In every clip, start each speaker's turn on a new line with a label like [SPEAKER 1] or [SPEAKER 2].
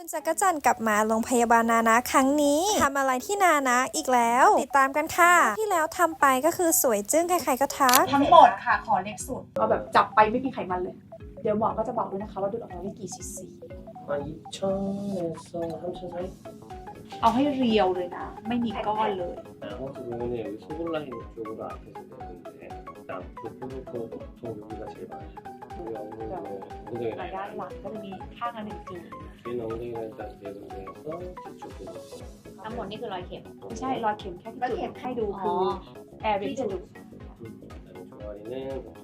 [SPEAKER 1] คุณจักรจันทร์กลับมาโรงพยาบาลนานะครั้งนี้ทำอะไรที่นานะอีกแล้วติดตามกันค่ะที่แล้วทำไปก็คือสวยจึ้งใครๆก็ทัก
[SPEAKER 2] ทั้งหมดค่ะขอเล็กสุดเอาแบบจับไปไม่มีไขมันเลย เดี๋ยวหมอก็จะบอกด้วยนะคะว่าดูดออกมาได้กี่ซีซี
[SPEAKER 3] 2,000에서 3,000 사이?
[SPEAKER 2] เอาให้เรียวเลยนะ ไม่มีก้อนเลย
[SPEAKER 3] 아무튼 보면은 여기 소굴 라인 쪽으로 앞에서 내는데 일단 교포부터 보통 여기가 제일 많아요. 여기 엉덩이
[SPEAKER 2] ด้าน
[SPEAKER 3] 라인
[SPEAKER 2] หลังก็จะมีข้างละหนึ่งจุด
[SPEAKER 3] 뒤에는 엉덩이 라인까지 네 군데에서 뒤쪽 부분
[SPEAKER 4] ทั้งหมดนี่คือรอยเข็ม
[SPEAKER 2] ไม่ใช่รอยเข็มแค่ที่จุดให้ดูคือแอร์ที่จะดู
[SPEAKER 3] 그다음에 종아리는 보통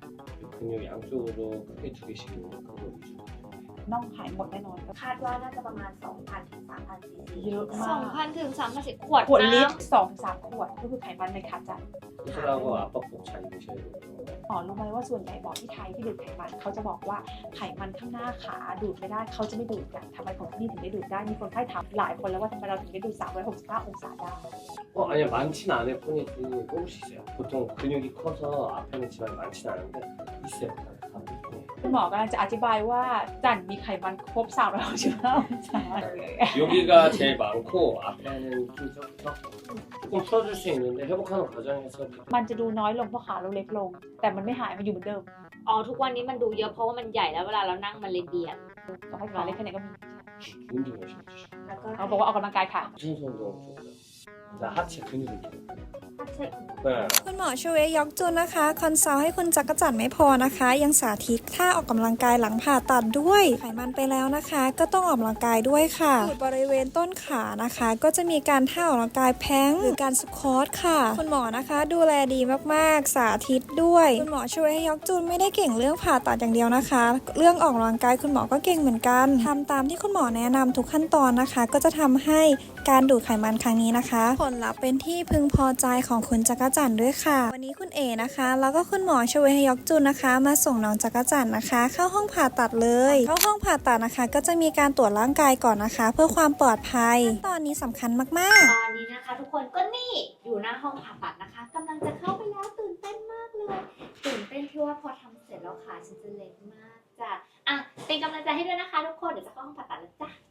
[SPEAKER 3] 이 근육 양쪽으로 크게 두 개씩 있는 그거 위주로
[SPEAKER 2] น่องหายหมดแน่นอน
[SPEAKER 5] คาดว่าน่าจะประมาณ 2,000 ถึง 3,000 ซีซี
[SPEAKER 2] เยอะมาก
[SPEAKER 4] 2,000 ถึง 3,000 ขวด
[SPEAKER 2] ขวดลิต
[SPEAKER 4] น้
[SPEAKER 2] ร2-3 ขวดก็คือไขมันในขาจัด
[SPEAKER 3] 수술하고 압박복 잘 입으셔야 되고요.
[SPEAKER 2] หมอรู้ไหมว่าส่วนใหญ่หมอที่ไทยที่ดูดไขมันเขาจะบอกว่าไขมันข้างหน้าขาดูดไม่ได้เขาจะไม่ดูดกันทำไมของที่นี่ถึงได้ดูดได้มีคนไข้ถามหลายคนแล้วว่าทำไมเราถึงได้ดูด365 องศาได้
[SPEAKER 3] 아니요 많진 않을 뿐이지 조금씩 있어요. 보통 근육이 커서 앞에는 지방이 많진 않은데 있어요. 사람들 중에.
[SPEAKER 2] คุณหมอกำลังจะอธิบายว่าจันมีไขมันครบ365 องศาเลย
[SPEAKER 3] 여기가 제일 많고 앞에는 좀 적고 조금 풀어줄 수 있는데 회복하는 과정에서
[SPEAKER 2] มันจะดูน้อยลงเพราะขาเราเล็กลง แต่มันไม่หายมันอยู่เหมือนเดิม
[SPEAKER 4] ำอ๋อทุกวันนี้มันดูเยอะเพราะว่ามันใหญ่แล้วเวลาเรานั่งมันเลยเบียด
[SPEAKER 2] ก็ให้ขาเล็กแค่ไหนก็มี
[SPEAKER 3] 운동 열심히 해주시고
[SPEAKER 5] แล้วก็
[SPEAKER 2] เขาบอกว่าออกกำลังกายค่ะ
[SPEAKER 3] 유산소 운동 좋고요. 나 하체 근육을 키워요.
[SPEAKER 5] ถ้าเช็ค
[SPEAKER 3] 네.
[SPEAKER 1] คุณหมอชเวยอกจุนนะคะคอนซัลท์ให้คุณจักรจันทร์ไม่พอนะคะ ยังสาธิตท่าออกกำลังกายหลังผ่าตัดด้วยไขมันไปแล้วนะคะ ก็ต้องออกกำลังกายด้วยค่ะส่วนบริเวณต้นขานะคะ ก็จะมีการท่าออกกำลังกายแพลงก์หรือการสควอตค่ะ คุณหมอนะคะดูแลดีมากๆสาธิตด้วยคุณหมอชเวยอกจุนไม่ได้เก่งเรื่องผ่าตัดอย่างเดียวนะคะ เรื่องออกกำลังกายคุณหมอก็เก่งเหมือนกันทำตามที่คุณหมอแนะนำทุกขั้นตอนนะคะ ก็จะทำให้การดูดไขมันครั้งนี้นะคะ ผลลัพธ์เป็นที่พึงพอใจของคุณจักรจันทร์ด้วยค่ะ วันนี้คุณเอนะคะแล้วก็คุณหมอชเวฮยอกจุนนะคะ มาส่งน้องจักรจันทร์นะคะ เข้าห้องผ่าตัดเลยเข้าห้องผ่าตัดนะคะ ก็จะมีการตรวจร่างกายก่อนนะคะ เพื่อความปลอดภัยขั้นตอนนี้สำคัญมากๆ
[SPEAKER 4] ตอนนี้นะคะ ทุกคนก็นี่อยู่หน้าห้องผ่าตัดนะคะกำลังจะเข้าไปแล้วตื่นเต้นมากเลยตื่นเต้นที่ว่าพอทำเสร็จแล้วขาฉันจะเล็กมากจ้ะอ่ะเป็นกำลังใจให้ด้วยนะคะทุกคนเดี๋ยวจะเข้าห้องผ่าตัดแล้วจ้ะ